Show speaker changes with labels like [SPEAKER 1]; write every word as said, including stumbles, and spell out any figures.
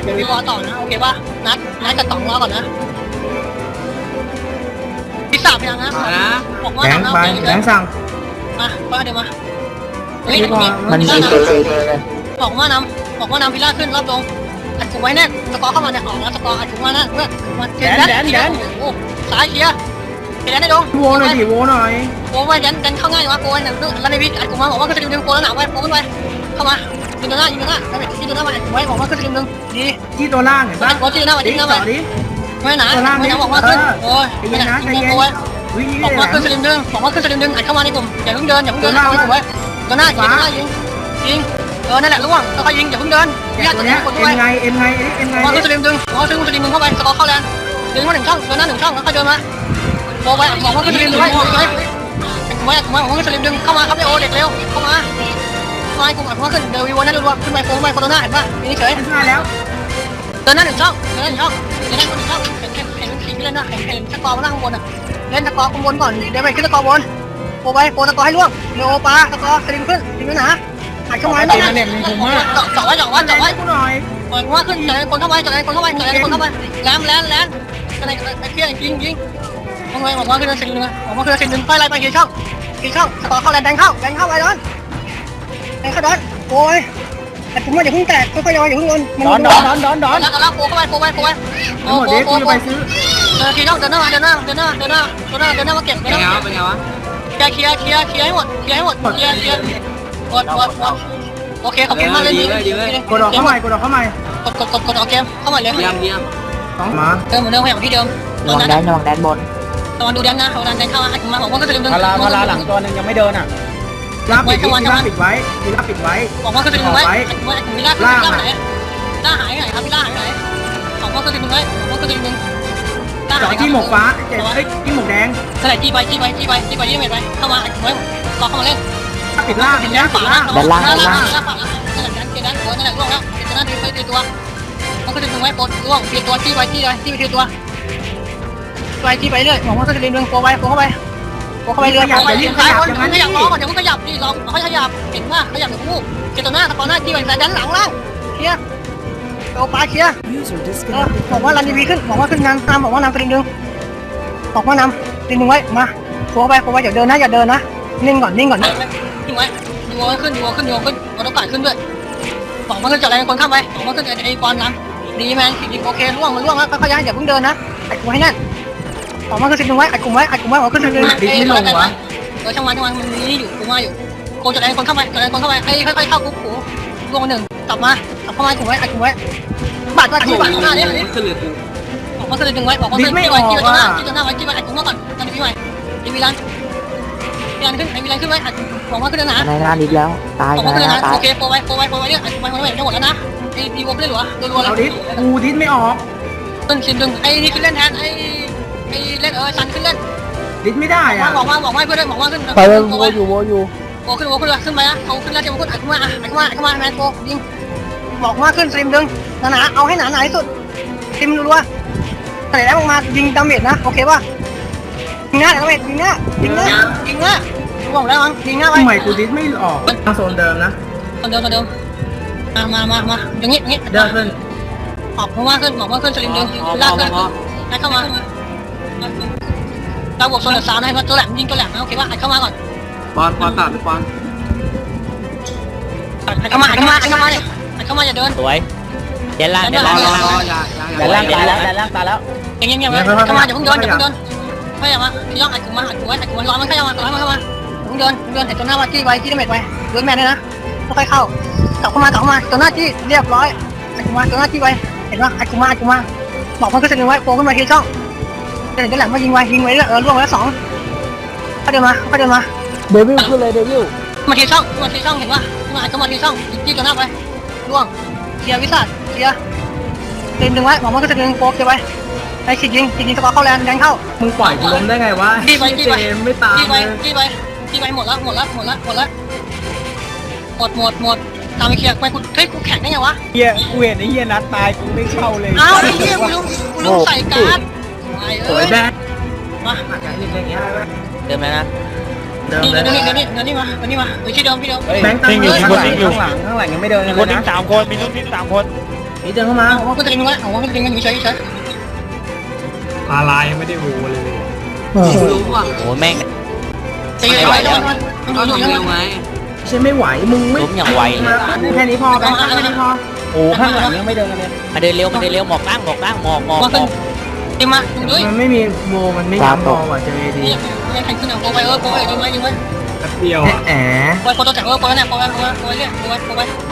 [SPEAKER 1] มีวอลต่อนะโอเคป่ะนัดนัดกับต๋องรอก่อนนะพิซซ่าไปยังนะบอกว่า
[SPEAKER 2] แบงค์ไปแบงค์สั่ง
[SPEAKER 1] มาว่าเดี๋ยวมาเฮ้ย
[SPEAKER 2] มันมี
[SPEAKER 1] บอกว่านำบอกว่านำพิล่าขึ้นรอบลงอัดถุงไว้แน่สกอร์เข้ามาเนี่ยออกแล้วสกอร์อัดถุงมานะเพื่อนมาแดนแดนแดนโอ้สายเชียร์แดนได้ดง
[SPEAKER 2] โวหน่อยดิโวหน่อย
[SPEAKER 1] โอ้ยแดนแดนเข้าง่ายวะโอ้ยหนึ่งแล้วในวิอัดถุงมาบอกว่าก็จะดึงโกแล้วหนาวไว้โกขึ้นไปเข้ามายิงตัวหน้ายิงตัวหน้าแล้วยิงตัวหน้ามาอัดถุงไว้บอกว่าก็จะดึงดี
[SPEAKER 2] ที่ตัวล่างเห็นป่ะ
[SPEAKER 1] โกที่หน้ามายิงหน้ามา
[SPEAKER 2] ดิ
[SPEAKER 1] ไม่หนาไม่หนาบอกว่าขึ้นโอ้ยไม่หนายิงโกไว้บอกว่าขึ้นสลิมดึงบอกว่าขึ้นสลิมดึงอัดเข้ามาในกลุ่มอย่าเพิ่งเดินอย่าเพิ่งเดินเข้าในกลุ่มไว้ตัวหน้ายิงตัวหน้ายิงยิงเออนั่นแหละล่วงค่อยยิงอย่าเพิ่งเดินญาติตัวนี้คนด้วย
[SPEAKER 2] เอ็มไงเอ็มไงเอ็มไง
[SPEAKER 1] มองขึ้นสลิมดึงมองขึ้นสลิมดึงเข้าไปสกอร์เข้าแลนดึงมาหนึ่งช่องเดินหน้าหนึ่งช่องแล้วค่อยเดินมาโบไปบอกว่าขึ้นสลิมดึงไว้ไว้ไว้ไว้บอกว่าขึ้นสลิมดึงเข้ามาครับไอโอเด็กเร็วเข้ามาไม้กูอัดว่าขึ้นเดินวีวันนั่นดูว่าขึ้นไปโค้งไปโคโรนาเห็นป่ะนี่เฉย
[SPEAKER 2] มาแล้ว
[SPEAKER 1] เดินหน้าหนึ่งช่องเดินหน้าหนึ่งช่องเดินหน้าหนึ่งช่องเห็นเห็นเห็นขี่ไปเล่นนะเห็นเห็นสกอร์มาหน้าข้างบนอ่ะเล่นสกอร์ข้างบนก่อนเดี๋ยวไปขึ้นสกอร์บนโบไปโบสกอร์ให้ล่วงโนปาสกอร์สลิมขึ้นสลิมหนาอัดเข้ามาเจาะเจาะไว้เจาะไว้เจาะไว้
[SPEAKER 2] กูหน่อย
[SPEAKER 1] เปิดว่าขึ้นเจาะคนเข้าไปเจาะคนเข้าไปเจาะคนเข้าไปแลมแลนแลนอะไรไอ้เพี้ยยิงยิงทำไมบอกว่าขึ้นสลิมนึงบอกว่าขึ้นสลิมนึงไปไล่ไปกี่ช่องกี่ช่องสกอร์เข้าแลนแดงเข้าแดงเข้าไปโดนแดงเข้าโดนโอ้ยแต่ผมว่าอย่าเพิ่งแตกค่อยๆย่ออย่าเพิ่งโดนดอนดอนดอนดอนดอนแล้วก็แล้วโผล่เข้าไปโผล่ไปโผล่ไป
[SPEAKER 2] ทั้งหมดเด็กกูจะไปซื้อ
[SPEAKER 1] เดินทีน้องเดินหน้าเดินหน้าเดินหน้าเดินหน้าเดินหน้าเดินหน้ามาเก็บเดินหน้าเป็นไงวะเคลียร์เคลียร์เคลียร์ให้หมดเคลียร์ให้หมดเคลียร์เคลียร์หมดหมดหมดโอเคขอบคุณมากเลยดีเลย
[SPEAKER 2] กดออกเข้าใหม่กดออกเข้าใหม่
[SPEAKER 1] กดกดกดกดออกเกมเข้ามาเลย
[SPEAKER 3] เยี่ยมเยี่ยม
[SPEAKER 2] สองมา
[SPEAKER 1] เดิมเหมือนเดิมอย่างที่เดิม
[SPEAKER 4] ระวังแดนระวังแดนบน
[SPEAKER 1] ตอนดูแดนนะเขาดันแดนเข้ามามาบอกว่าก็จะดึงดึง
[SPEAKER 5] พาราพาราหลังตัวนึงยังไม่เดินอ่ะ
[SPEAKER 2] ลาปิดลาปิดไว้ลาปิดไว้
[SPEAKER 1] บอกว่าก็จะดึงไว้ไว้มีล่าล่าไหนล่าหายไหนครับพี่ล่าหายไหนบอกว่าก็จะดึงไว้บอกว่าก็จะดึงล่า
[SPEAKER 2] จอ
[SPEAKER 1] หาย
[SPEAKER 2] ดที่หมกฟ้าเจ็บเอ้ยที่หมกแดง
[SPEAKER 1] เท่าไหร่จี้ไปจี้ไปจี้ไปจี้ไปยี่เมตรไปเข้ามาไว้รอเข้ามาเล่น
[SPEAKER 2] ปิดล่าง
[SPEAKER 1] เห็น
[SPEAKER 2] แด
[SPEAKER 1] ด้าง น
[SPEAKER 2] ปิ
[SPEAKER 1] ฝา
[SPEAKER 2] ดล่าง
[SPEAKER 1] ด้านล่างด้านล่างด้านฝานั่นแหละด้านเกด้านหัวนั่นแหละล่วงแล้วเห็นตัวหน้าดีไปทีตัวมันก็จะดึงไว้ปลดล่วงเปลี่ยนตัวจี้ไปจี้ไปจี้ไปทีตัวไปจี้ไปเรื่อยบอกว่าก็จะดึงดึงโผล่ไปโผล่เข้าไปโผล่เข้าไปเรื่อยโผล่ไปเรื่อยขยับขยับล้อก่อนเดี๋ยวมันขยับดิลองเขาขยับเห็นว่าขยับหนึ่งคู่เกตัวหน้าตะกอนหน้าจี้ไปด้านหลังล่างเคลียร์โอ้ปลาเคลียร์บอกว่ารันดีวีขึ้นบอกว่าขึ้นนำตามบอกว่านำกระดิ่งดึงบอกว่านำดึงดึงไว้มาโผล่ไปโผล่ไปอย่าเดินนะอย่าเดินนะนิ่งก่อนนิ่งก่อนนิ่งไว้ดูวอขึ้นดูวอขึ้นดูวอขึ้นวอต้องการขึ้นด้วยบอกว่าขึ้นจากอะไรคนข้ามไปบอกว่าขึ้นจากไอ้บอลน้ำดีแมนดีโอเคล่วงมันล่วงแล้วค่อยๆอย่าเพิ่งเดินนะอัดกลุ่มให้แน่นบอกว่าขึ้นสิบดึงไว้อัดกลุ่มไว้อัดกลุ่มไว้บอกขึ้นสิบดึงเออช่างวันช่างวันมันนี่อยู่กูมาอยู่โคจากอะไรคนเข้าไปจากอะไรคนเข้าไปไอ้ค่อยๆเข้ากูกูล่วงหนึ่งกลับมากลับเข้ามากลุ่มไว้อัดกลุ่มไว้บาดบาดที่บาดหน้าเนี่ยบอกว่าขึ้นดึงไว้บอกว่าขึ้นจี้ไว้จี้ไว้หน้าจี้ไว้หน้าไว้จี้ไว้อัดกลุ่มไว้ก่อนตอนนี้พี่ไว้ดีวิลันวิลันขึ้นไอ้วิลันขึ้นไว้อัดบอกว่าขึ้นนะ
[SPEAKER 4] ในหน้านิดแล้วตาย
[SPEAKER 1] บอก
[SPEAKER 4] ใน
[SPEAKER 1] ว่าขึ้น
[SPEAKER 4] หน้า
[SPEAKER 1] นะ
[SPEAKER 4] ตาย
[SPEAKER 1] โอเคโปรไว้โปรไว้โปรไว้เนี่ยอัดกลุ่มไว้ทั้งหมดแล้วนะไอ้ดีวอไม่ได้หรอรัวๆเลย
[SPEAKER 2] เอาดิกูดิสไม่ออก
[SPEAKER 1] ต้นชินดึงไอ้นี่ขึ้นเล่นแทนไอ้ไอ้เล่นเออซันขึ้นเล่น
[SPEAKER 2] ดิสไม่ได้อ่ะ
[SPEAKER 1] บอกว่าบอกว่าเพื่อนบอกว่าขึ้น
[SPEAKER 4] ไปเลยโวอยู่โวอยู่
[SPEAKER 1] โปขึ้นโปขึ้นเลยขึ้นไปนะเขาขึ้นแล้วเจ้าขึ้นอัดขึ้นมาอัดขึ้นมาอัดขึ้นมาแมนโปยิงบอกว่าขึ้นซิมดึงหนาๆเอาให้หนาๆที่สุดซิมรัวๆแต่แล้วออกมายิงดาเมจนะโอเคป่ะยิงหน้าดาเมจยิงหน้ายิงหน้ายิงหน้าบอกแล้วมั้งยิงหน้าไว้
[SPEAKER 2] ทำไมกูดิสไม่ออกทางโซนเดิมนะ
[SPEAKER 1] คนเดิมคนเดิมมามามามาอย่างงี้อย่างงี้
[SPEAKER 2] เดินขึ้น
[SPEAKER 1] ออกมาขึ้นบอกว่าขึ้นสลิมดึงลากขึ้นให้เข้ามาเราบวกโซนสามให้ตัวแหลมยิงตัวแหลมนะโอเคป่ะให้เข้ามาก่อน
[SPEAKER 3] ปอนปอนตัดหรือปอน
[SPEAKER 1] เข้ามาเข้ามาเข้ามาเนี่ยเข้ามาอย่าเดิน
[SPEAKER 4] สวยเดนล่างเดน
[SPEAKER 3] รอ
[SPEAKER 4] ล่าง
[SPEAKER 3] รอรออย่าอย่า
[SPEAKER 4] เดนล่างตายแล้วเดนล่างตายแล้ว
[SPEAKER 1] อย่างเงี้ยๆเข้ามาอย่าเพิ่งเดินอย่าเพิ่งเดินขยับมาพี่ย่องอัดกูมาอัดกูไว้อัดกูไว้ร้อนมันขยับมาร้อนมันเข้ามาเพิ่งเดินเดินเห็นตัวหน้าว่าจี้ไว้จี้ดาเมจไว้เดินแมนเลยนะค่อยๆเข้ากลับเข้ามากลับเข้ามาตัวหน้าจี้เรียบร้อยอัดกูมาตัวหน้าจี้ไว้เห็นป่ะอัดกูมาอัดกูมาบอกมันก็จะดึงไว้โผล่ขึ้นมาทีช่องเห็นตัวแหลมมายิงไว้ยิงไว้เออล่วงแล้วสองก็เดินมาก็เดินมา
[SPEAKER 4] เดวิลขึ้นเลยเดวิล
[SPEAKER 1] มาทีช่องมาทีช่องเห็นป่ะมาอัดก็มาทีช่องจี้ตัวหน้าไปล่วงเคลียร์วิสัทเคลียร์เต็มดึงไว้บอกมันก็จะดึงโป๊กไว้ไอ้ฉีดยิงฉีดยิงสกอร์เข้าแลนแดงเข้า
[SPEAKER 2] มึงปล่อยกูล้มได้ไงวะ
[SPEAKER 1] จี้ไปจี้ไป
[SPEAKER 2] ไม่ตาม
[SPEAKER 1] จี้ไป
[SPEAKER 2] เลย
[SPEAKER 1] จี้ไปจี้ไปหมดแล้วหมดแล้วหมดแล้วหมดแล้วหมดหมดหมดตามไปเคลียร์ไปกูเฮ้ยกูแข่งได้ไงวะ
[SPEAKER 5] เฮียกูเห็นไอ้เฮียนัดตายกูไม่เข้าเลย
[SPEAKER 1] อ้าวไอ้เหี้ยกูลืมกูลืมใส่การ์ดไอ้
[SPEAKER 2] สว
[SPEAKER 1] เอ้
[SPEAKER 2] ย
[SPEAKER 1] ย
[SPEAKER 2] แดง
[SPEAKER 1] มา
[SPEAKER 4] เดินไหมนะ
[SPEAKER 2] เดิม
[SPEAKER 1] นี่
[SPEAKER 2] เลย
[SPEAKER 1] เดี๋ยวนี้เดี๋ยวนี้เดี๋ยวนี้มาเดี๋ยวนี้มาไปที่เดิมที่เดิม
[SPEAKER 5] แบงค์ตั้งอยู่ข้างหลังข้างหลังข้างหลังยังไม่เดิน
[SPEAKER 6] มี
[SPEAKER 5] เล
[SPEAKER 6] คน
[SPEAKER 5] ย
[SPEAKER 6] ทิ้
[SPEAKER 5] นะ
[SPEAKER 6] งสามคนมีคนทิ้งสามคน
[SPEAKER 5] ม
[SPEAKER 2] นี่เดินเข้ามา
[SPEAKER 1] เอาว่าก็จะดึงไว้เอาว่าก็จะดึงกันอยู่เฉยเฉย
[SPEAKER 6] พาลายยังไม่ได้วูเลย
[SPEAKER 3] รู้ว่ะ
[SPEAKER 4] โอ้แม่ง
[SPEAKER 1] ตีไว้แล้วมัน
[SPEAKER 3] ก็
[SPEAKER 1] อยู่
[SPEAKER 3] ทำ
[SPEAKER 1] อ
[SPEAKER 3] เร็
[SPEAKER 1] ยู่
[SPEAKER 3] วไง
[SPEAKER 2] ใช่ไม่ไหวมึงไม่
[SPEAKER 4] ล้มอย่างไวเลย
[SPEAKER 2] แค่นี้พอไปแค่นี้พอ
[SPEAKER 5] โอ้ข้างหลังยังไม่เดินกันเลย
[SPEAKER 4] มาเดินเร็วมาเดินเร็วหมอกตั้งหมอกตั้งหมอกหมอก
[SPEAKER 1] มา
[SPEAKER 4] หม
[SPEAKER 1] ขึ้น
[SPEAKER 4] อก
[SPEAKER 1] ตีมาดูด้วย
[SPEAKER 2] มันไม่มีโบมันไม่ย้ำบอลว่ะเจอเอดี
[SPEAKER 1] นี่ยังแข่งขึ้นเอาโปรไปเออโปรไปยิงไว้ยิงไว้
[SPEAKER 6] แป๊บเดียว
[SPEAKER 2] แอะ
[SPEAKER 1] โปรโปรตัวแข่งเออโปรเนี่ยโปรไปโปรไปโปรไปเรื่อยโปรไปโปรไป